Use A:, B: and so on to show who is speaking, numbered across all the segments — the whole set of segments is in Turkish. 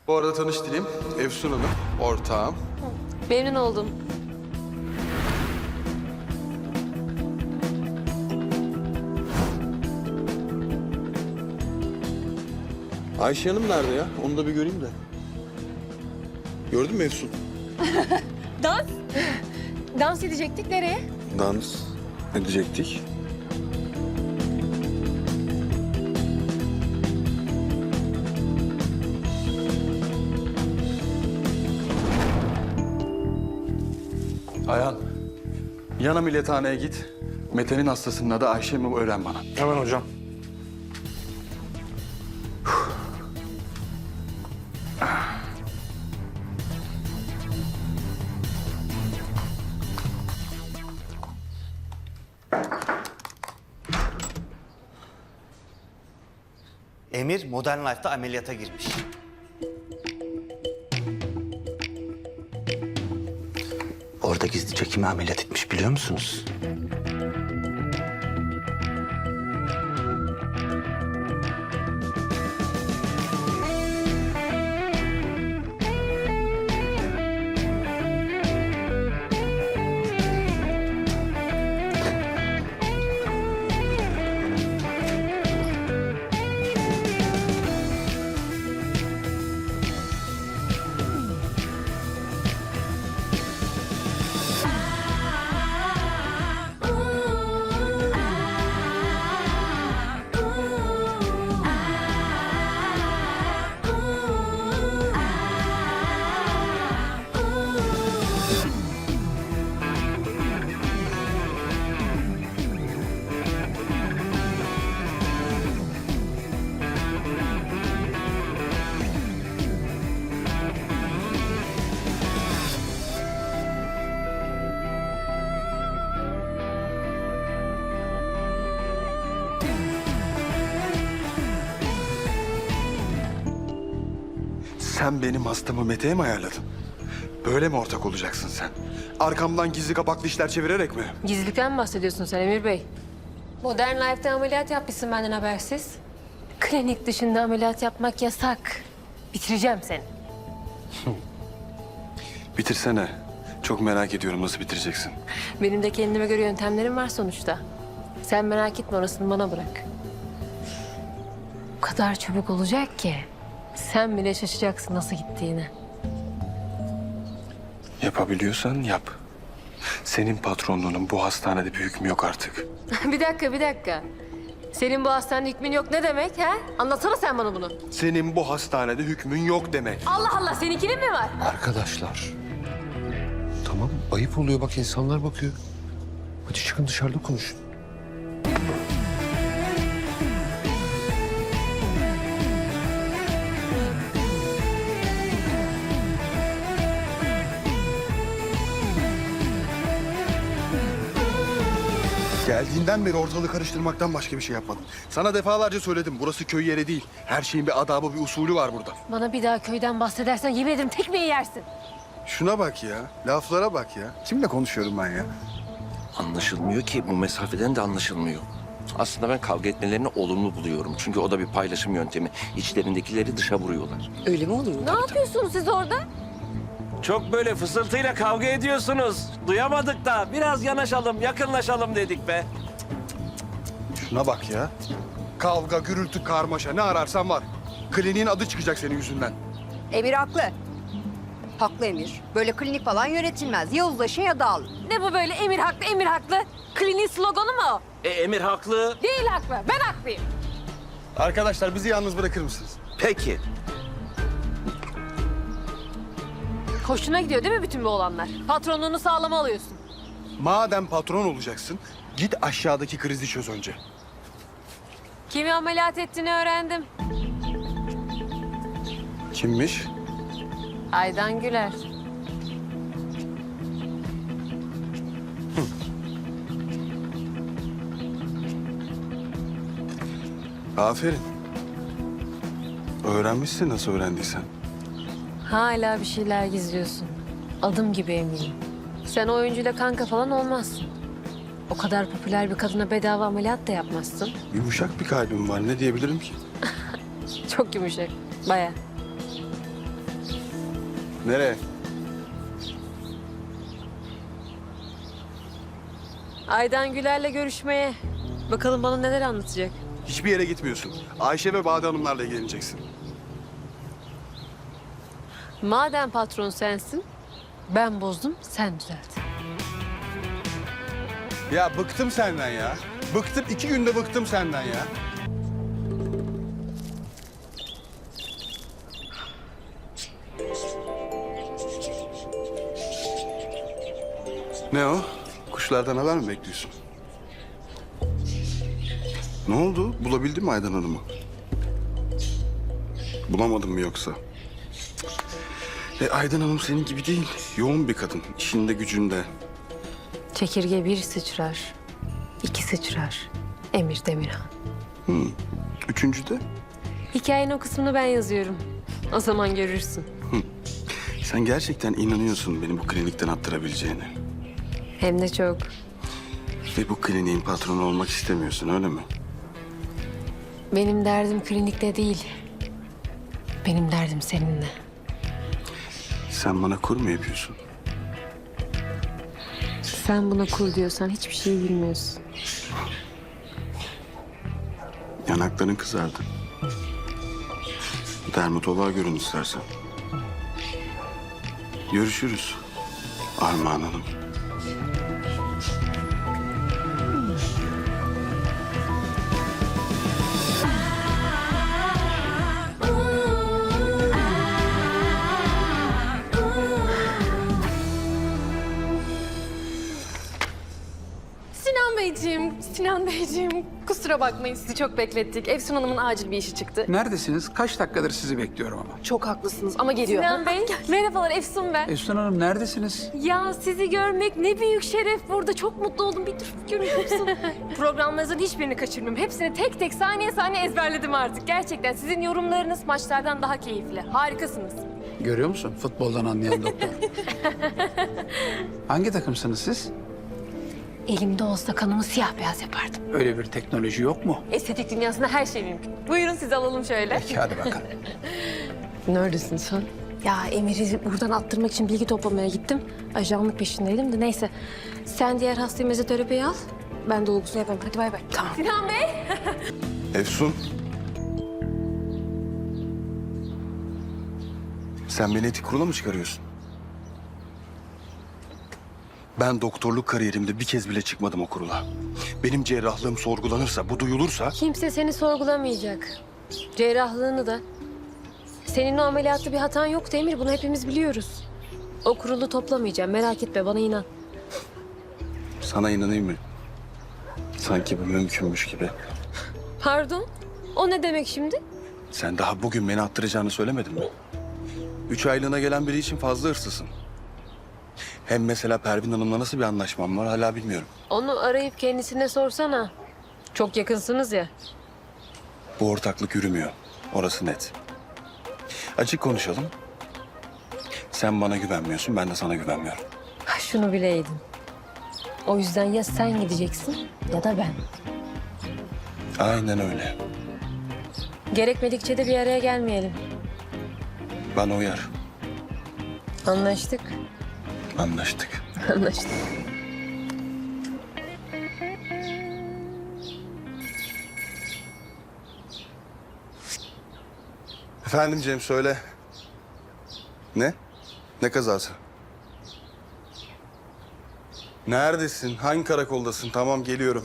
A: Bu arada tanıştırayım. Efsun Hanım, ortağım.
B: Memnun oldum.
A: Ayşe Hanım nerede ya? Onu da bir göreyim de. Gördün mü Efsun?
B: Dans? Dans edecektik nereye?
A: Dans edecektik. Ayhan, yan ameliyathaneye git. Mete'nin hastasının adı Ayşe mi öğren bana.
C: Hemen hocam.
D: Emir Modern Life'da ameliyata girmiş. Orada gizlice kimi ameliyat etmiş biliyor musunuz?
A: Sen benim hastamı Mete'ye mi ayarladın? Böyle mi ortak olacaksın sen? Arkamdan gizli kapaklı işler çevirerek mi?
B: Gizlilikten mi bahsediyorsun sen Emir Bey? Modern Life'da ameliyat yapmışsın benden habersiz. Klinik dışında ameliyat yapmak yasak. Bitireceğim seni.
A: Bitirsene. Çok merak ediyorum nasıl bitireceksin.
B: Benim de kendime göre yöntemlerim var sonuçta. Sen merak etme, orasını bana bırak. O kadar çabuk olacak ki sen bile şaşacaksın nasıl gittiğini.
A: Yapabiliyorsan yap. Senin patronluğunun bu hastanede bir hükmü yok artık.
B: Bir dakika. Senin bu hastanede hükmün yok ne demek ha? Anlatsana sen bana bunu.
A: Senin bu hastanede hükmün yok demek.
B: Allah Allah, seninkinin mi var?
C: Arkadaşlar. Tamam, ayıp oluyor bak, insanlar bakıyor. Hadi çıkın dışarıda konuşun.
A: Geldiğinden beri ortalığı karıştırmaktan başka bir şey yapmadın. Sana defalarca söyledim, burası köy yeri değil. Her şeyin bir adabı, bir usulü var burada.
B: Bana bir daha köyden bahsedersen yemin ederim tekmeyi yersin.
A: Şuna bak ya, laflara bak ya. Kimle konuşuyorum ben ya?
E: Anlaşılmıyor ki, bu mesafeden de anlaşılmıyor. Aslında ben kavga etmelerini olumlu buluyorum. Çünkü o da bir paylaşım yöntemi. İçlerindekileri dışa vuruyorlar.
F: Öyle mi oluyor?
B: Ne yapıyorsunuz siz orada?
E: Çok böyle fısıltıyla kavga ediyorsunuz. Duyamadık da biraz yanaşalım, yakınlaşalım dedik be.
A: Şuna bak ya. Kavga, gürültü, karmaşa ne ararsan var. Kliniğin adı çıkacak senin yüzünden.
F: Emir haklı. Haklı Emir. Böyle klinik falan yönetilmez. Ya uzlaşın ya dağılın.
B: Ne bu böyle emir haklı? Kliniğin sloganı mı o?
E: Emir haklı.
B: Değil haklı, ben haklıyım.
A: Arkadaşlar bizi yalnız bırakır mısınız?
E: Peki.
B: Hoşuna gidiyor değil mi bütün bu olanlar? Patronluğunu sağlama alıyorsun.
A: Madem patron olacaksın, git aşağıdaki krizi çöz önce.
B: Kimi ameliyat ettiğini öğrendim.
A: Kimmiş?
B: Aydan Güler.
A: Aferin. Öğrenmişsin nasıl öğrendiysen.
B: Hala bir şeyler gizliyorsun. Adım gibi eminim. Sen o oyuncuyla kanka falan olmazsın. O kadar popüler bir kadına bedava ameliyat da yapmazsın.
A: Yumuşak bir kalbim var, ne diyebilirim ki?
B: Çok yumuşak, bayağı.
A: Nereye?
B: Aydan Güler'le görüşmeye. Bakalım bana neler anlatacak.
A: Hiçbir yere gitmiyorsun. Ayşe ve Bade Hanımlarla ilgileneceksin.
B: Madem patron sensin, ben bozdum, sen düzelt.
A: Ya bıktım senden ya. Bıktım, 2 günde bıktım senden ya. Ne o? Kuşlardan haber mi bekliyorsun? Ne oldu? Bulabildin mi Aydan Hanım'ı? Bulamadın mı yoksa? Aydan Hanım senin gibi değil. Yoğun bir kadın. İşinde gücünde.
B: Çekirge bir sıçrar, iki sıçrar. Emir Demirhan.
A: Üçüncü de
B: Hikayenin o kısmını ben yazıyorum. O zaman görürsün.
A: sen gerçekten inanıyorsun beni bu klinikten attırabileceğine.
B: Hem de çok.
A: Ve bu kliniğin patronu olmak istemiyorsun öyle mi?
B: Benim derdim klinikte değil. Benim derdim seninle.
A: Sen bana kur mu yapıyorsun?
B: Sen buna kul diyorsan hiçbir şey bilmiyorsun.
A: Yanakların kızardı. Dermatoloğa görün istersen. Görüşürüz Armağan Hanım.
G: Sinan Beyciğim, kusura bakmayın sizi çok beklettik. Efsun Hanım'ın acil bir işi çıktı.
H: Neredesiniz? Kaç dakikadır sizi bekliyorum ama.
G: Çok haklısınız ama geliyor.
B: Sinan Bey, merhabalar Efsun ben.
H: Efsun Hanım neredesiniz?
B: Ya sizi görmek ne büyük şeref burada. Çok mutlu oldum. Bir dur görüyor musun? Programlarınızın hiçbirini kaçırmıyorum. Hepsini tek tek saniye saniye ezberledim artık. Gerçekten sizin yorumlarınız maçlardan daha keyifli. Harikasınız.
H: Görüyor musun? Futboldan anlayan doktor. Hangi takımsınız siz?
B: Elimde olsa kanımı siyah beyaz yapardım.
H: Öyle bir teknoloji yok mu?
B: Estetik dünyasında her şey mümkün. Buyurun sizi alalım şöyle.
H: Peki hadi bakalım.
B: Neredesin sen? Ya Emir'i buradan attırmak için bilgi toplamaya gittim. Ajanlık peşindeydim de neyse. Sen diğer hastayı mezoterapiye al. Ben dolgusunu yaparım. Hadi bay bay. Tamam. Sinan Bey.
A: Efsun. Sen beni etik kurula mı çıkarıyorsun? Ben doktorluk kariyerimde bir kez bile çıkmadım o kurula. Benim cerrahlığım sorgulanırsa, bu duyulursa...
B: Kimse seni sorgulamayacak. Cerrahlığını da. Senin o ameliyatta bir hatan yok Emir. Bunu hepimiz biliyoruz. O kurulu toplamayacağım. Merak etme bana inan.
A: Sana inanayım mı? Sanki bu mümkünmüş gibi.
B: Pardon? O ne demek şimdi?
A: Sen daha bugün beni attıracağını söylemedin mi? 3 aylığına gelen biri için fazla hırsızsın. Hem mesela Pervin Hanım'la nasıl bir anlaşmam var hala bilmiyorum.
B: Onu arayıp kendisine sorsana. Çok yakınsınız ya.
A: Bu ortaklık yürümüyor. Orası net. Açık konuşalım. Sen bana güvenmiyorsun, ben de sana güvenmiyorum.
B: Ha, şunu bileydin. O yüzden ya sen gideceksin ya da ben.
A: Aynen öyle.
B: Gerekmedikçe de bir araya gelmeyelim.
A: Bana uyar.
B: Anlaştık.
A: Anlaştık.
B: Anlaştık.
A: Efendim Cem söyle. Ne? Ne kazası? Neredesin? Hangi karakoldasın? Tamam geliyorum.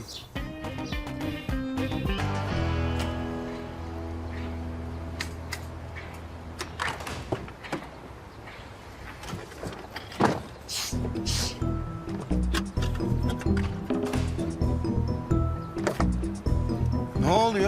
A: Ne oluyor?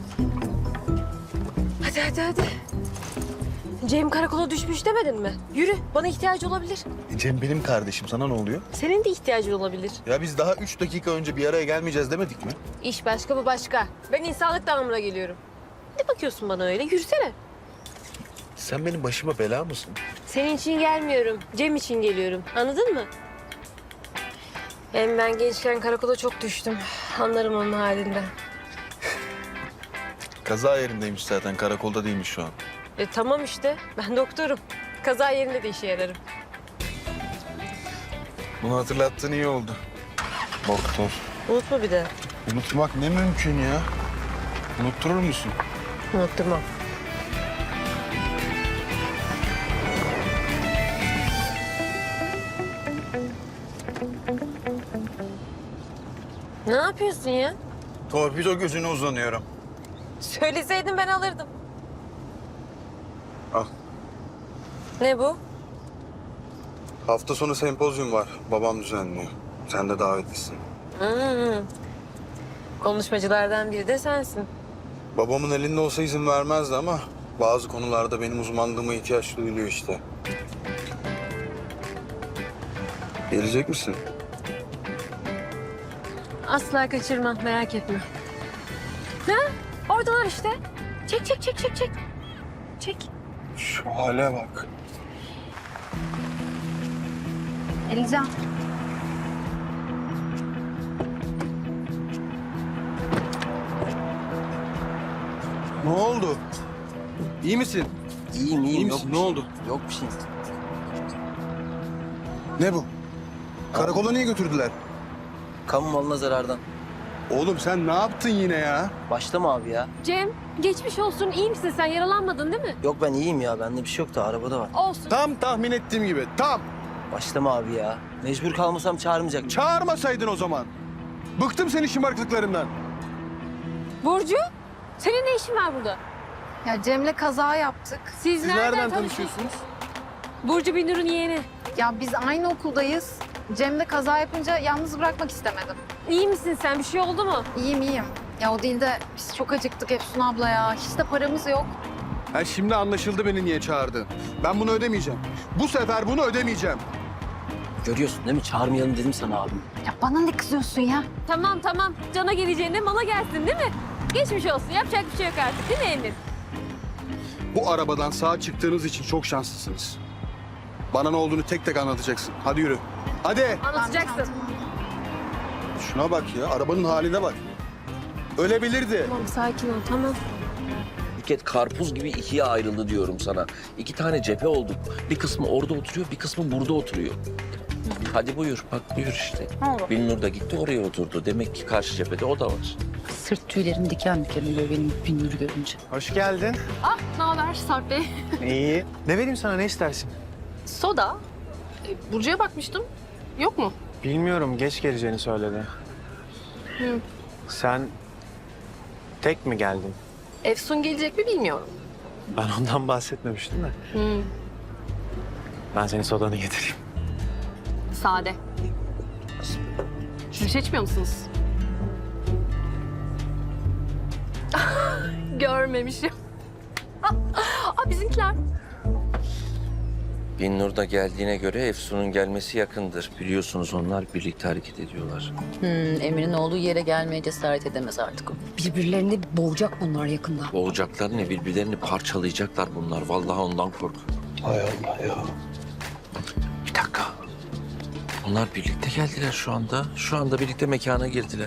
B: Hadi. Cem karakola düşmüş demedin mi? Yürü, bana ihtiyacı olabilir.
A: Cem benim kardeşim. Sana ne oluyor?
B: Senin de ihtiyacın olabilir.
A: Ya biz daha 3 dakika önce bir araya gelmeyeceğiz demedik mi?
B: İş başka, bu başka. Ben insanlık damına geliyorum. Ne bakıyorsun bana öyle? Yürüsene.
A: Sen benim başıma bela mısın?
B: Senin için gelmiyorum, Cem için geliyorum. Anladın mı? Hem ben gençken karakola çok düştüm. Anlarım onun halinden.
I: Kaza yerindeymiş zaten. Karakolda değilmiş şu an.
B: Tamam işte, ben doktorum. Kaza yerinde de işe yararım.
I: Bunu hatırlattığın iyi oldu. Doktor.
B: Unutma bir de.
I: Unutmak ne mümkün ya? Unutturur musun?
B: Unutturmam. Ne yapıyorsun ya?
I: Torpido gözüne uzanıyorum.
B: Söyleseydin ben alırdım.
A: Al.
B: Ne bu?
A: Hafta sonu sempozyum var. Babam düzenliyor. Sen de davetlisin.
B: Konuşmacılardan biri de sensin.
A: Babamın elinde olsa izin vermezdi ama bazı konularda benim uzmanlığıma ihtiyaç duyuluyor işte. Gelecek misin?
B: Asla kaçırmam, merak etme. Ha? Oradalar işte. Çek, çek, çek, çek, çek. Çek.
A: Şu hale bak.
F: Eliza.
A: Ne oldu? İyi misin?
E: İyiyim
A: İyi
E: iyiyim.
A: misin? Ne oldu?
E: Yok bir şey.
A: Ne bu? Karakola niye götürdüler?
J: Kamu malına zarardan.
A: Oğlum sen ne yaptın yine ya?
J: Başlama abi ya.
B: Cem, geçmiş olsun. İyi misin sen? Yaralanmadın değil mi?
J: Yok ben iyiyim ya. Bende bir şey yok da arabada var.
B: Olsun.
A: Tam tahmin ettiğim gibi. Tam.
J: Başlama abi ya. Mecbur kalmasam çağırmayacak.
A: Çağırmasaydın o zaman. Bıktım senin şımarıklıklarından.
B: Burcu, senin ne işin var burada?
G: Ya Cem'le kaza yaptık.
B: Siz nereden
A: tanışıyorsunuz?
B: Burcu Binur'un yeğeni.
G: Ya biz aynı okuldayız. Cem'le kaza yapınca yalnız bırakmak istemedim.
B: İyi misin sen? Bir şey oldu mu?
G: İyiyim iyiyim. Ya o değil de biz çok acıktık Efsun abla ya. Hiç de paramız yok.
A: Ha, şimdi anlaşıldı beni niye çağırdın. Ben bunu ödemeyeceğim. Bu sefer bunu ödemeyeceğim.
J: Görüyorsun değil mi? Çağırmayalım dedim sana abim.
G: Ya bana ne kızıyorsun ya?
B: Tamam tamam. Cana geleceğine mala gelsin değil mi? Geçmiş olsun. Yapacak bir şey yok artık değil mi Emir?
A: Bu arabadan sağ çıktığınız için çok şanslısınız. Bana ne olduğunu tek tek anlatacaksın. Hadi yürü. Hadi.
B: Anlatacaksın.
A: Şuna bak ya. Arabanın haline bak. Ölebilirdi.
B: Tamam sakin ol tamam.
E: Buket karpuz gibi ikiye ayrıldı diyorum sana. 2 tane cephe olduk. Bir kısmı orada oturuyor, bir kısmı burada oturuyor. Hadi buyur, bak buyur işte. Binnur da gitti oraya oturdu. Demek ki karşı cephede o da var.
F: Sırt tüylerim diken diken oluyor benim Binnur'u görünce.
K: Hoş geldin.
G: Ne haber Sarp Bey?
K: İyi. Ne vereyim sana, ne istersin?
G: Soda. Burcu'ya bakmıştım. Yok mu?
K: Bilmiyorum, geç geleceğini söyledi. Sen tek mi geldin?
G: Efsun gelecek mi bilmiyorum.
K: Ben ondan bahsetmemiştim de. Ben senin sodanı getireyim.
G: Sade. Bir şey içmiyor musunuz? Görmemişim. Bizimkiler.
E: Binnur da geldiğine göre Efsun'un gelmesi yakındır. Biliyorsunuz onlar birlikte hareket ediyorlar.
F: Emir'in olduğu yere gelmeye cesaret edemez artık o. Birbirlerini boğacak bunlar yakında.
E: Boğacaklar ne, birbirlerini parçalayacaklar bunlar. Vallahi ondan kork.
C: Hay Allah ya.
E: Bir dakika. Onlar birlikte geldiler şu anda. Şu anda birlikte mekana girdiler.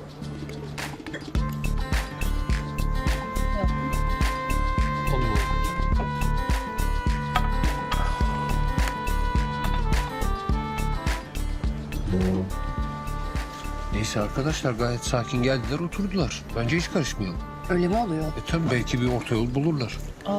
C: Neyse arkadaşlar gayet sakin geldiler oturdular. Bence hiç karışmayalım.
F: Öyle mi oluyor?
C: Tabii belki bir orta yol bulurlar.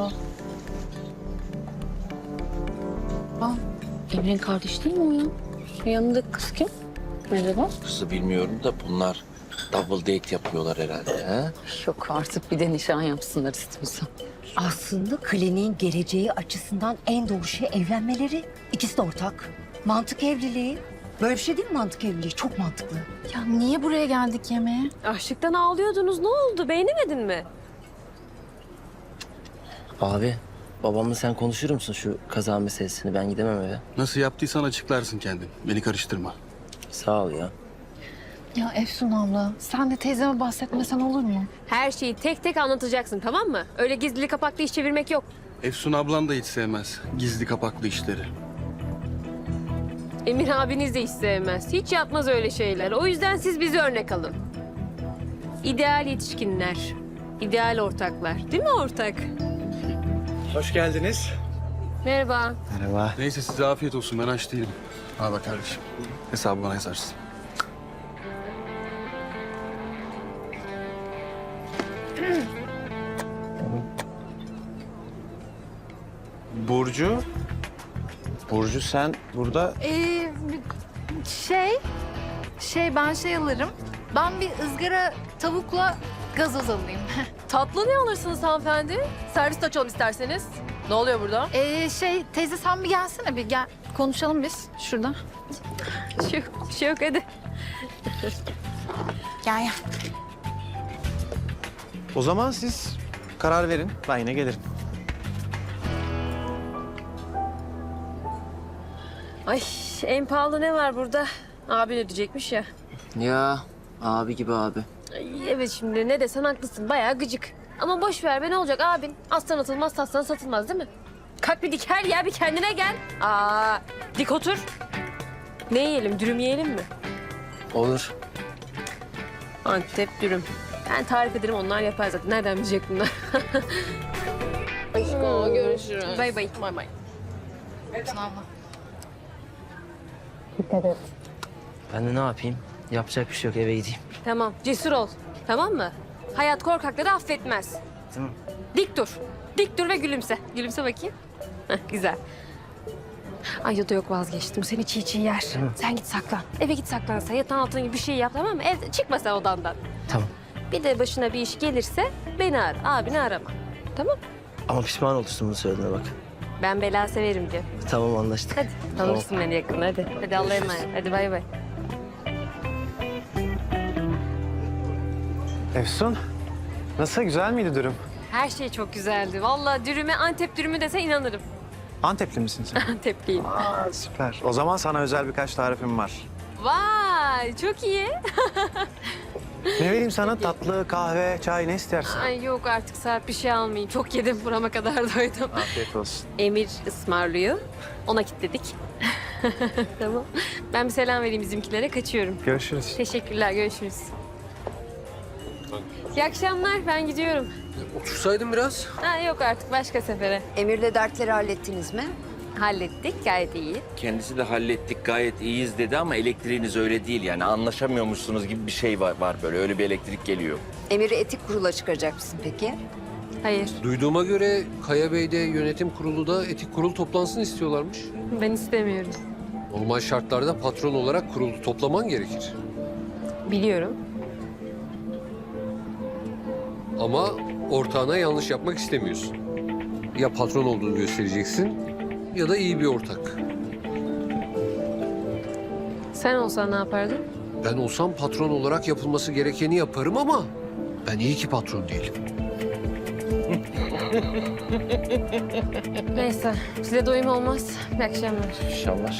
F: Emir'in kardeşi değil mi o ya? Yanındaki kız kim? Merhaba.
E: Kızı bilmiyorum da bunlar double date yapıyorlar herhalde. Ha?
F: Yok artık bir de nişan yapsınlar istiyorsan.
L: Aslında kliniğin geleceği açısından en doğru şey evlenmeleri. İkisi de ortak. Mantık evliliği. Böyle bir şey değil mi mantık evliliği? Çok mantıklı.
G: Ya niye buraya geldik yemeğe?
B: Açlıktan ağlıyordunuz. Ne oldu? Beğenemedin mi?
J: Abi babamla sen konuşur musun şu kaza meselesini? Ben gidemem eve.
A: Nasıl yaptıysan açıklarsın kendin. Beni karıştırma.
J: Sağ ol ya.
G: Ya Efsun abla sen de teyzeme bahsetmesen olur mu?
B: Her şeyi tek tek anlatacaksın tamam mı? Öyle gizli kapaklı iş çevirmek yok.
A: Efsun ablan da hiç sevmez. Gizli kapaklı işleri.
B: Emir abiniz de hiç sevmez. Hiç yapmaz öyle şeyler. O yüzden siz bize örnek alın. İdeal yetişkinler. İdeal ortaklar. Değil mi ortak?
K: Hoş geldiniz.
B: Merhaba.
K: Merhaba.
A: Neyse size afiyet olsun, ben aç değilim. Al bak kardeşim. Hesabı bana yazarsın.
K: Burcu. Burcu sen burada...
G: Ben şey alırım. Ben bir ızgara tavukla gazoz alayım.
B: Tatlı ne alırsınız hanımefendi? Servis açalım isterseniz. Ne oluyor burada?
G: Teyze sen bir gelsene bir gel. Konuşalım biz şurada.
B: Bir şey yok hadi.
G: Gel gel.
K: O zaman siz karar verin. Ben yine gelirim.
B: Ay en pahalı ne var burada? Abin ödeyecekmiş ya.
J: Ya abi gibi abi.
B: Ay, evet şimdi ne desen haklısın. Bayağı gıcık. Ama boş ver be ne olacak abin? Aslan atılmaz taslan satılmaz değil mi? Kalk bir diker ya bir kendine gel. Dik otur. Ne yiyelim dürüm yiyelim mi?
J: Olur.
B: Antep dürüm. Ben tarif ederim onlar yapar zaten. Nereden bilecek bunlar? Aşkım görüşürüz. Bay bay. Bay bay.
J: Ben de ne yapayım? Yapacak bir şey yok, eve gideyim.
B: Tamam cesur ol. Tamam mı? Hayat korkakları affetmez.
J: Tamam.
B: Dik dur. Dik dur ve gülümse. Gülümse bakayım. Heh, güzel. Ay ya da yok vazgeçtim. Seni çiğ çiğ yer. Sen git saklan. Eve git saklan sen. Yatağın altına gibi bir şey yap tamam mı? Evde çıkma sen odandan.
J: Tamam.
B: Bir de başına bir iş gelirse beni ara. Abini arama. Tamam?
J: Ama pişman olursun bunu söylediğine bak.
B: Ben bela severim diyor.
J: Tamam anlaştık.
B: Hadi tanırsın beni yakında hadi. Hadi Allah'a emanet. Hadi bay bay.
K: Efsun. Nasıl? Güzel miydi dürüm?
B: Her şey çok güzeldi. Vallahi dürüme Antep dürümü dese inanırım.
K: Antepli misin sen?
B: Antepliyim.
K: Aa, süper. O zaman sana özel birkaç tarifim var.
B: Vay çok iyi.
K: Ne vereyim sana? Tatlı, kahve, çay ne istersin?
B: Ay yok artık saat bir şey almayayım. Çok yedim burama kadar doydum.
K: Afiyet olsun.
B: Emir ısmarlıyor. Ona kilitledik. Tamam. Ben bir selam vereyim bizimkilere. Kaçıyorum.
K: Görüşürüz.
B: Teşekkürler. Görüşürüz. İyi akşamlar. Ben gidiyorum.
C: Otursaydın biraz.
B: Ha, yok artık başka sefere.
F: Emir'le dertleri hallettiniz mi?
B: Hallettik. Gayet iyi.
E: Kendisi de hallettik gayet iyiyiz dedi ama elektriğiniz öyle değil yani anlaşamıyormuşsunuz gibi bir şey var böyle öyle bir elektrik geliyor.
F: Emir'i etik kurula çıkaracak mısın peki?
B: Hayır.
C: Duyduğuma göre Kaya Bey'de yönetim kurulu da etik kurul toplansın istiyorlarmış.
B: Ben istemiyorum.
C: Normal şartlarda patron olarak kurulu toplaman gerekir.
B: Biliyorum.
C: Ama ortağına yanlış yapmak istemiyorsun. Ya patron olduğunu göstereceksin ya da iyi bir ortak.
B: Sen olsan ne yapardın?
C: Ben olsam patron olarak yapılması gerekeni yaparım ama ben iyi ki patron değilim.
B: Neyse. Size doyum olmaz. İyi akşamlar.
E: İnşallah.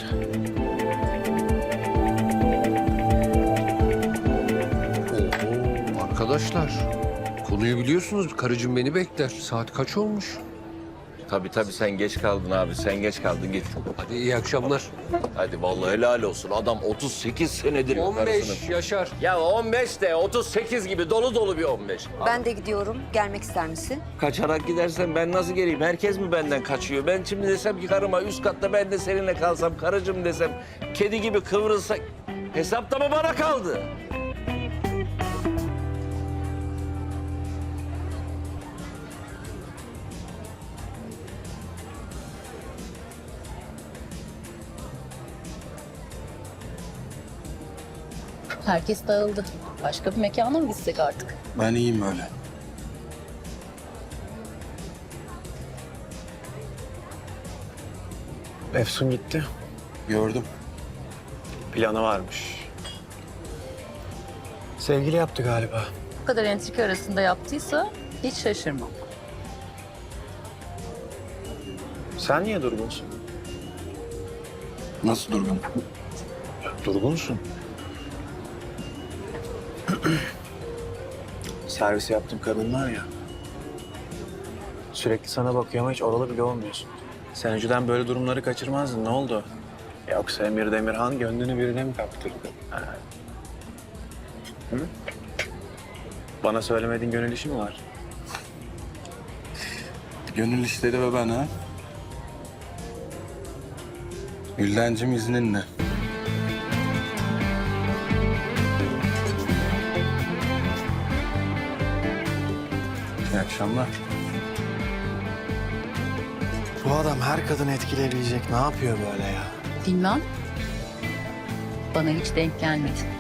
C: Oho arkadaşlar. Konuyu biliyorsunuz. Karıcığım beni bekler. Saat kaç olmuş?
E: Tabii sen geç kaldın abi sen geç kaldın git.
C: Hadi iyi akşamlar.
E: Hadi vallahi helal olsun adam 38 senedir
C: 15
E: karısının-
C: Yaşar.
E: Ya 15 de 38 gibi dolu bir 15.
F: Ben de gidiyorum. Gelmek ister misin?
E: Kaçarak gidersen ben nasıl geleyim? Herkes mi benden kaçıyor? Ben şimdi desem ki karıma üst katta ben de seninle kalsam, karıcığım desem, kedi gibi kıvrılsak hesap da mı bana kaldı?
M: Herkes dağıldı. Başka bir mekana mı gitsek artık?
A: Ben iyiyim böyle.
K: Efsun gitti.
A: Gördüm.
K: Planı varmış. Sevgili yaptı galiba.
M: Bu kadar entrika arasında yaptıysa hiç şaşırmam.
K: Sen niye durgunsun?
A: Nasıl durgun?
K: Durgunsun. Servis yaptığım kadın var ya. Sürekli sana bakıyor ama hiç oralı bile olmuyorsun. Sen önceden böyle durumları kaçırmazdın. Ne oldu? Yoksa Emir Demirhan gönlünü birine mi kaptırdı? Ha. Hı? Bana söylemediğin gönül işi mi var?
A: Gönül işleri ve ben ha? Güldencim izninle. İyi akşamlar.
I: Bu adam her kadını etkileyebilecek. Ne yapıyor böyle ya?
M: Bilmem. Bana hiç denk gelmedi.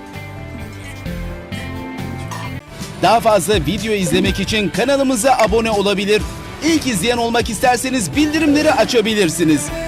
N: Daha fazla video izlemek için kanalımıza abone olabilir. İlk izleyen olmak isterseniz bildirimleri açabilirsiniz.